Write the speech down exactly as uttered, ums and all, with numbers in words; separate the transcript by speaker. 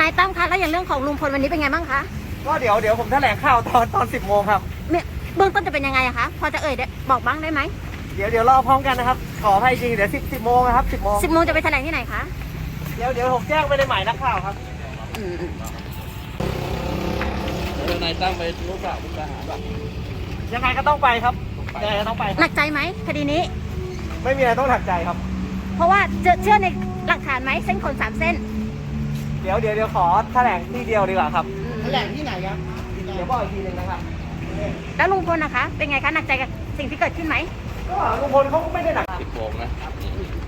Speaker 1: ายตั้มคะแล้วอย่างเรื่องของลุงพลวันนี้เป็นไงบ้างคะ
Speaker 2: ก็เดี๋ยวเดี๋ยวผมแถลงข่าวตอนตอนสิบโมงครับ
Speaker 1: เนี่ยเบื้องต้นจะเป็นยังไงอะคะพอจะเอ่ยได้บอกบ้างได้ไหม
Speaker 2: เดี๋ยวเดี๋ยวรอพร้อมกันนะครับขออภัยจริงเดี๋ยวสิบสิบโมงนะครับสิบโมง
Speaker 1: สิบโมงจะไปแถลงที่ไหนคะ
Speaker 2: เดี๋ยวเดี๋ยวผมแจ้งไปในหมายนักข่าวครับ
Speaker 1: อืม
Speaker 3: เดี๋ยวนายตั้งไปรู้ข่าวมุกดาหารป่ะ
Speaker 2: ยังไงก็ต้องไปครับยังไงก็ต้องไปค
Speaker 1: ห
Speaker 2: รั
Speaker 1: นั
Speaker 2: บ
Speaker 1: กใจไหมคดีนี้
Speaker 2: ไม่มีอะไรต้องหนักใจครับ
Speaker 1: เพราะว่าเจอเชื่อในหลักฐานไหมเส้นขนสามเส้น
Speaker 2: เดี๋ยวเดี๋ยวเดี๋ยวขอแถลงที่เดียวดีกว่าครับ
Speaker 4: แถลงที่ไหนครับ
Speaker 2: เดี๋ยวบอกอีกทีหนึงนะครับ
Speaker 1: แล้วลุงพลนะคะ เป็นไงคะหนักใจกับสิ่งที่เกิดขึ้นไหม
Speaker 2: ก็ลุงพลเขาก็ไม่ได้หนัก
Speaker 3: สิบโมงนะ